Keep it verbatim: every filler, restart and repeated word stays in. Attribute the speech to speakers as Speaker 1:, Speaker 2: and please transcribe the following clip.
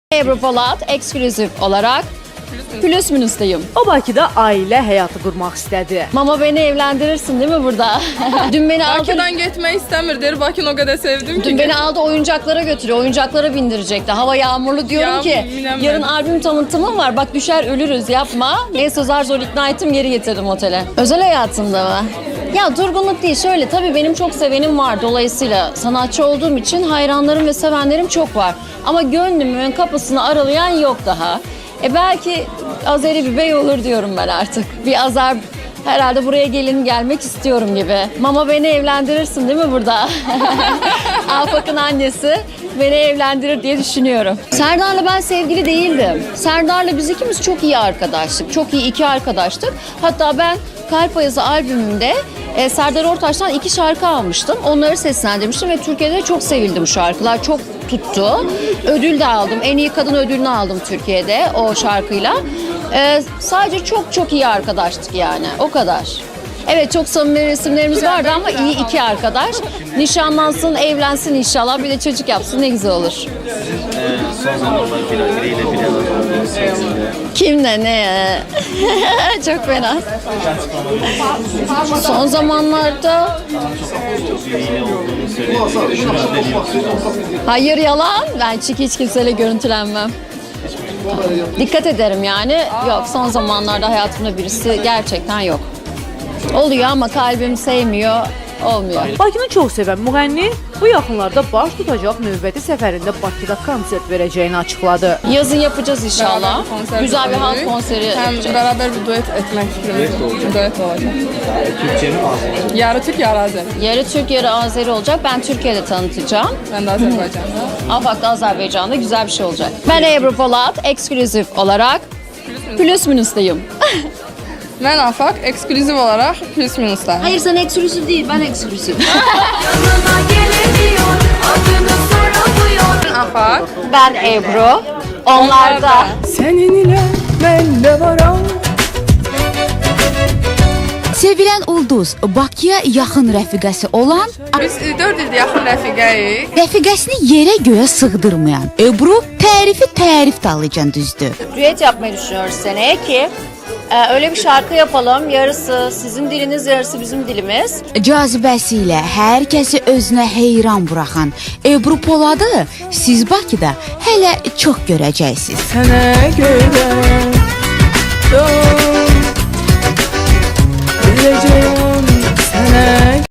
Speaker 1: Ebru Polat eksklüzif olarak Plus Minus'tayım.
Speaker 2: O Bakıda ailə həyatı qurmaq istədi.
Speaker 1: Mama beni evlendirirsin değil mi burada? Dün beni aldı.
Speaker 3: Bakıdan gitmeyi istemiyor. Der Bakın o kadar sevdim ki.
Speaker 1: Dün beni aldı oyuncaklara götürüyor. Oyuncaklara bindirecekti. Hava yağmurlu diyorum
Speaker 3: Ya,
Speaker 1: ki
Speaker 3: bilemem.
Speaker 1: yarın albüm tanıtımım var. Bak düşer ölürüz yapma. Neyse zar zor ikna ettim geri getirdim otele. Özel hayatımda mı? Ya durgunluk değil şöyle tabii benim çok sevenim var. Dolayısıyla sanatçı olduğum için hayranlarım ve sevenlerim çok var. Ama gönlümün kapısını aralayan yok daha. E belki Azeri bir bey olur diyorum ben artık. Bir Azer herhalde buraya gelin gelmek istiyorum gibi. Mama beni evlendirirsin değil mi burada? Afak'ın annesi beni evlendirir diye düşünüyorum. Serdar'la ben sevgili değildim. Serdar'la biz ikimiz çok iyi arkadaştık. Çok iyi iki arkadaştık. Hatta ben Kalp Ayazı albümümde e, Serdar Ortaç'tan iki şarkı almıştım. Onları seslendirmiştim ve Türkiye'de çok sevildim şarkılar. Çok tuttu. Ödül de aldım. En iyi kadın ödülünü aldım Türkiye'de o şarkıyla. Ee, sadece çok çok iyi arkadaştık yani. O kadar. Evet çok samimi resimlerimiz vardı ama iyi iki arkadaş. Nişanlansın, evlensin inşallah. Bir de çocuk yapsın ne güzel olur.
Speaker 4: Ee, son zamanlar bir biriyle bile var.
Speaker 1: Kimle ne? Çok fena. Son zamanlarda
Speaker 4: Biriyle olduğunu söyledi. Şunu söylüyorsunuz.
Speaker 1: hayır yalan. Ben çünkü hiç kimseyle görüntülenmem. Dikkat ederim yani. Yok son zamanlarda hayatımda birisi gerçekten yok. Oluyor ama kalbim sevmiyor, olmuyor.
Speaker 2: Bakını çox sevən müğənni bu yaxınlarda baş tutacaq növbəti səfərində Bakıda konsert verəcəyini açıqladı.
Speaker 1: Yazın yapacağız inşallah.
Speaker 3: Beraber konser
Speaker 1: Güzel bir halk
Speaker 3: düzenledik.
Speaker 1: konseri
Speaker 3: Hem
Speaker 1: yapacağız.
Speaker 3: beraber bir duet etmek fikrimiz. Duet olacak.
Speaker 4: Türkçe mi Azeri?
Speaker 3: Yarı Türk, yarı Azeri.
Speaker 1: Yarı Türk, yarı Azeri olacak. Ben Türkiye'de tanıtacağım.
Speaker 3: Ben de Azerbaycan'da.
Speaker 1: Afak'ta Azerbaycan'da güzel bir şey olacak. Ben Ebru Polat eksklüzif olarak Plus Minus'tayım.
Speaker 3: Ben Afak, eksklüzif olarak Plus Minus'ta.
Speaker 1: Hayır sen eksklüzif değil, ben eksklüzif.
Speaker 5: Yanına gelemiyor, adını soramıyor.
Speaker 3: Ben Afak.
Speaker 1: Ben Ebru, onlar da.
Speaker 3: Senin ile ben de varam.
Speaker 6: Sevilən Ulduz Bakıya yaxın rəfiqəsi olan,
Speaker 3: Biz e, dört ildir yaxın rəfiqəyik.
Speaker 6: rəfiqəsini yerə göyə sığdırmayan Ebru tərifi tərif dalıcan düzdür.
Speaker 1: Düet yapmayı düşünüyoruz seneye ki e, öyle bir şarkı yapalım. Yarısı sizin diliniz, yarısı bizim dilimiz.
Speaker 6: Cazibəsi ilə hər kəsi özünə heyran buraxan Ebru Poladı siz Bakıda hələ çox görəcəksiniz.
Speaker 3: Sənə görə don, biləcəyəm sənə